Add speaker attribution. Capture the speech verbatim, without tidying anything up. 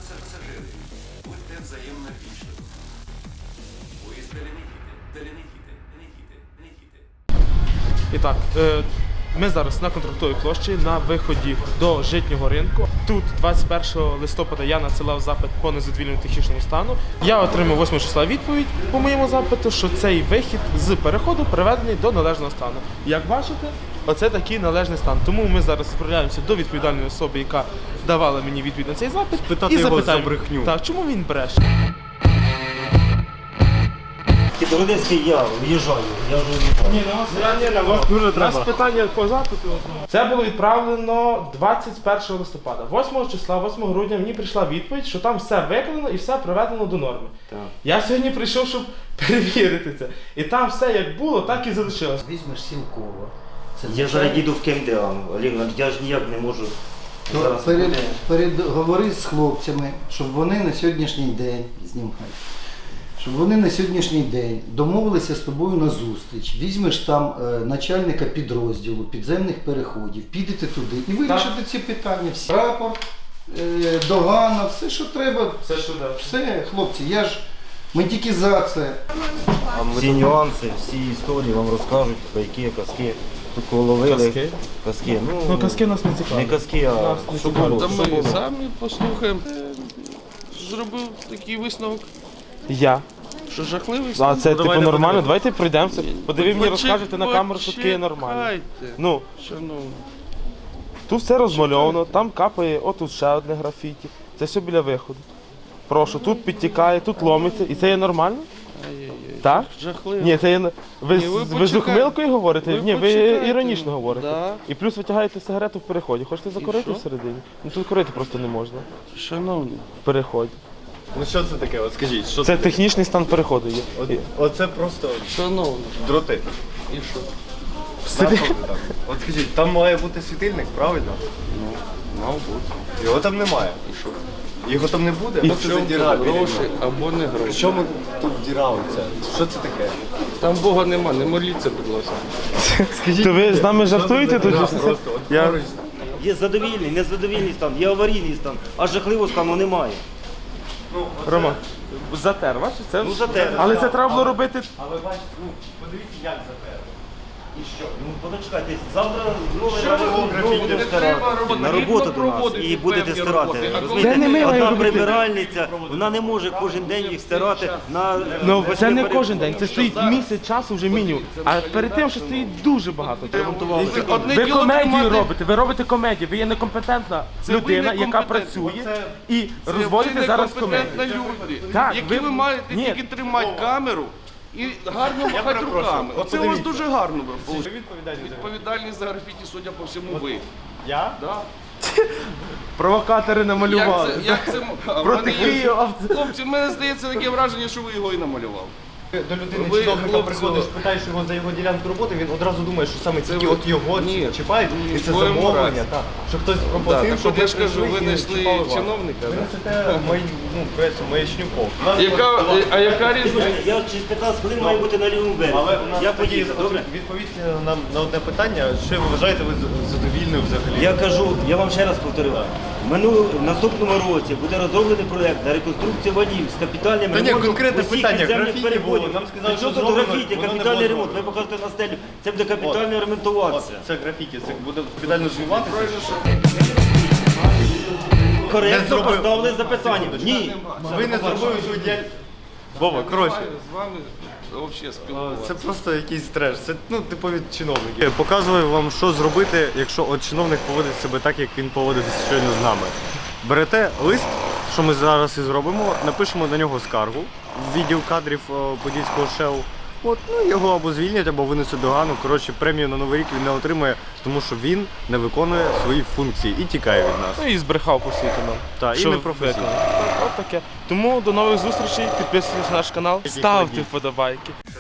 Speaker 1: Пасажири, будьте взаємно вічливими. Поїзд далі не їде, далі не їде, не їде, не їде.
Speaker 2: І так, е, ми зараз на Контрактовій площі на виході до Житнього ринку. Тут двадцять першого листопада я надсилав запит по незадовільному технічному стану. Я отримав восьмого числа відповідь по моєму запиту, що цей вихід з переходу приведений до належного стану. Як бачите, оце такий належний стан. Тому ми зараз відправляємося до відповідальної особи, яка давала мені відповідь на цей запит.
Speaker 3: Питати
Speaker 2: і
Speaker 3: його
Speaker 2: запитаємо,
Speaker 3: за брехню.
Speaker 2: Так, чому він бреше?
Speaker 4: До Родинський я в'їжджаю, я вже
Speaker 2: Ні, на вас,
Speaker 3: дуже
Speaker 2: У нас питання по запиту. Це було відправлено двадцять першого листопада. восьмого числа, восьмого грудня мені прийшла відповідь, що там все виконано і все приведено до норми.
Speaker 4: Так.
Speaker 2: Я сьогодні прийшов, щоб перевірити це. І там все як було, так і залишилось.
Speaker 5: Візьмеш Сілково. Це
Speaker 4: Я зараз їду в КМДА, Олег, я ж ніяк не можу.
Speaker 5: То
Speaker 4: Зараз
Speaker 5: перед,
Speaker 4: буде.
Speaker 5: перед, говори з хлопцями, щоб вони на сьогоднішній день, знімай, щоб вони на сьогоднішній день домовилися з тобою на зустріч, візьмеш там е, начальника підрозділу, підземних переходів, підете туди і вирішите ці питання. Всі. Рапорт, е, догана, все, що треба.
Speaker 2: Все, що да.
Speaker 5: Все, хлопці, я ж, ми тільки за це.
Speaker 4: Всі нюанси, всі історії вам розкажуть, байки, казки. Тут кого ловили.
Speaker 2: Казки?
Speaker 4: Казки. Ну,
Speaker 2: Ну, казки нас не
Speaker 4: не
Speaker 2: цікавлять.
Speaker 4: казки, а
Speaker 2: Нас не
Speaker 4: що
Speaker 2: цікавить.
Speaker 4: було.
Speaker 6: Та
Speaker 4: Що
Speaker 6: ми
Speaker 4: було?
Speaker 6: самі послухаємо. Е, Зробив такий висновок,
Speaker 2: Я.
Speaker 6: що жахливий
Speaker 2: А
Speaker 6: стан.
Speaker 2: це типу
Speaker 3: давай не
Speaker 2: нормально?
Speaker 3: будемо.
Speaker 2: Давайте пройдемося. Подиви мені,
Speaker 6: Почек-
Speaker 2: розкажете на камеру, що таке є нормально.
Speaker 6: почекайте,
Speaker 2: Ну,
Speaker 6: шановні.
Speaker 2: тут все розмальовано, там капає, отут ще одне графіті. Це все біля виходу. Прошу, тут підтікає, тут ломиться. І це є нормально?
Speaker 6: Ай-яй-яй.
Speaker 2: Так?
Speaker 6: Жахливо.
Speaker 2: Ні, це є... Ви,
Speaker 6: Ні,
Speaker 2: з-
Speaker 6: ви
Speaker 2: ви з
Speaker 6: почекайте.
Speaker 2: ухмилкою говорите?
Speaker 6: Ви
Speaker 2: Ні, ви
Speaker 6: почекайте.
Speaker 2: іронічно говорите.
Speaker 6: Да.
Speaker 2: І плюс витягаєте сигарету в переході. Хочете закурити
Speaker 6: що?
Speaker 2: всередині? Ну тут курити просто не можна.
Speaker 6: Шановні,
Speaker 2: В переході.
Speaker 3: Ну що це таке? От скажіть, що
Speaker 2: Це технічний стан переходу є.
Speaker 3: От, оце просто
Speaker 6: шановні,
Speaker 3: дроти.
Speaker 6: і що?
Speaker 3: Нащо вони там? От скажіть, там має бути світильник, правильно?
Speaker 6: Ну, мав бути.
Speaker 3: Його там немає.
Speaker 6: І що?
Speaker 3: Його там не буде?
Speaker 6: І
Speaker 3: Що це за діра? біля
Speaker 6: гроші
Speaker 3: нього?
Speaker 6: або не
Speaker 3: При
Speaker 6: гроші.
Speaker 3: чому тут діра оця? Що це таке?
Speaker 6: Там Бога нема, не моліться, будь ласка.
Speaker 3: Скажіть,
Speaker 2: То ви з нами жартуєте тут?
Speaker 3: Да, просто. От
Speaker 2: Я-
Speaker 3: поруч.
Speaker 4: Є задовільний, незадовільний стан, є аварійний стан, а жахливого стану немає.
Speaker 2: Рома, затер, бачиш? Це...
Speaker 4: Ну, затер.
Speaker 2: Але це треба було робити.
Speaker 4: Але бачите, ну, подивіться, як запер. І що? Ну, почекайте, завтра знову знову будемо
Speaker 6: Не треба
Speaker 4: стирати.
Speaker 6: робити,
Speaker 4: На роботу
Speaker 6: рівно
Speaker 4: до нас
Speaker 6: проводити
Speaker 4: і будете
Speaker 6: певні
Speaker 4: стирати.
Speaker 6: роботи. А
Speaker 4: Розумієте?
Speaker 2: Це не ми
Speaker 4: Одна
Speaker 2: маємо робити.
Speaker 4: прибиральниця, вона не може кожен день їх стирати на...
Speaker 2: Ну це не
Speaker 4: на-
Speaker 2: кожен день, це стоїть місяць часу вже мінімум. А перед тим, що стоїть дуже багато.
Speaker 6: Одне
Speaker 2: Ви
Speaker 6: діло
Speaker 2: комедію
Speaker 6: тримати-
Speaker 2: робите, ви робите комедію, ви є некомпетентна
Speaker 6: Це ви
Speaker 2: людина, яка
Speaker 6: некомпетентна.
Speaker 2: працює і
Speaker 6: Це
Speaker 2: розводите
Speaker 6: ви
Speaker 2: зараз комедію.
Speaker 6: некомпетентні люди,
Speaker 2: Так,
Speaker 6: які
Speaker 2: ви-
Speaker 6: ви маєте
Speaker 2: Ні.
Speaker 6: тільки тримати камеру і гарно махати руками. Оце у вас дуже гарно виходить. Відповідальність за графіті, судя по всьому, ви.
Speaker 3: Я?
Speaker 6: Да?
Speaker 2: Провокатори
Speaker 6: Як
Speaker 2: намалювали.
Speaker 6: це, як це, а в
Speaker 2: Проти
Speaker 6: мене є-
Speaker 2: Києва.
Speaker 6: Хлопці, в мене здається таке враження, що ви його і намалював.
Speaker 3: До людини
Speaker 6: Ви,
Speaker 3: чиновника
Speaker 6: хлопці,
Speaker 3: приходиш, питаєш його за його ділянку роботи, він одразу думає, що саме тільки
Speaker 6: ви-
Speaker 3: от його
Speaker 6: Ні.
Speaker 3: чіпають, і це
Speaker 6: Твоєму
Speaker 3: замовлення,
Speaker 6: разі.
Speaker 3: так. Що хтось
Speaker 6: Так,
Speaker 3: проплатив,
Speaker 6: так
Speaker 3: щоб
Speaker 6: от я ж кажу, ви
Speaker 3: прийшли і
Speaker 6: знайшли
Speaker 3: чіпали вас.
Speaker 6: чиновника.
Speaker 3: Ви
Speaker 6: да?
Speaker 3: несете мої, ну, пресу, маячню повну. Нас
Speaker 6: Яка,
Speaker 3: от-
Speaker 6: а яка різниця?
Speaker 4: Я через п'ятнадцять хвилин маю бути на лівому березі.
Speaker 3: Але у нас
Speaker 4: Я
Speaker 3: тоді
Speaker 4: поїду,
Speaker 3: от
Speaker 4: добре?
Speaker 3: відповідь нам на одне питання, що ви вважаєте ви з- задовільною взагалі?
Speaker 4: Я кажу, я вам ще раз повторю. В минулому в наступному році буде розроблений проєкт на реконструкцію валів з капітальним
Speaker 3: Та ні,
Speaker 4: ремонтом
Speaker 3: конкретне
Speaker 4: усіх
Speaker 3: питання,
Speaker 4: підземних
Speaker 3: графіті
Speaker 4: переходів.
Speaker 3: було, нам сказали,
Speaker 4: Та
Speaker 3: що
Speaker 4: що тут
Speaker 3: зроблено,
Speaker 4: графіті,
Speaker 3: воно не
Speaker 4: капітальний
Speaker 3: було
Speaker 4: ремонт. Ви
Speaker 3: зроблено.
Speaker 4: покажете на стелю. Це буде капітально
Speaker 3: От,
Speaker 4: ремонтуватися.
Speaker 3: це графіті, це буде капітально звиватися. Не
Speaker 4: Коректно
Speaker 3: зробив.
Speaker 4: поставили запитання. Ні.
Speaker 3: Ви не зробили свою діяльність. Вова, коротше.
Speaker 6: З вами взагалі спілкуватися.
Speaker 3: Це просто якийсь треш. Це ну типові чиновники. Показую вам, що зробити, якщо от чиновник поводить себе так, як він поводиться щойно з нами. Берете лист, що ми зараз і зробимо, напишемо на нього скаргу в відділ кадрів о, Подільського ШЕУ. От, ну його або звільнять, або винесуть догану. Коротше, премію на Новий рік він не отримує, тому що він не виконує свої функції і тікає від нас.
Speaker 2: Ну і збрехав по суті нам.
Speaker 3: Та, і
Speaker 2: Що
Speaker 3: непрофесійно.
Speaker 2: виконав. Так, от таке. Тому до нових зустрічей, підписуйтесь на наш канал, ставте вподобайки.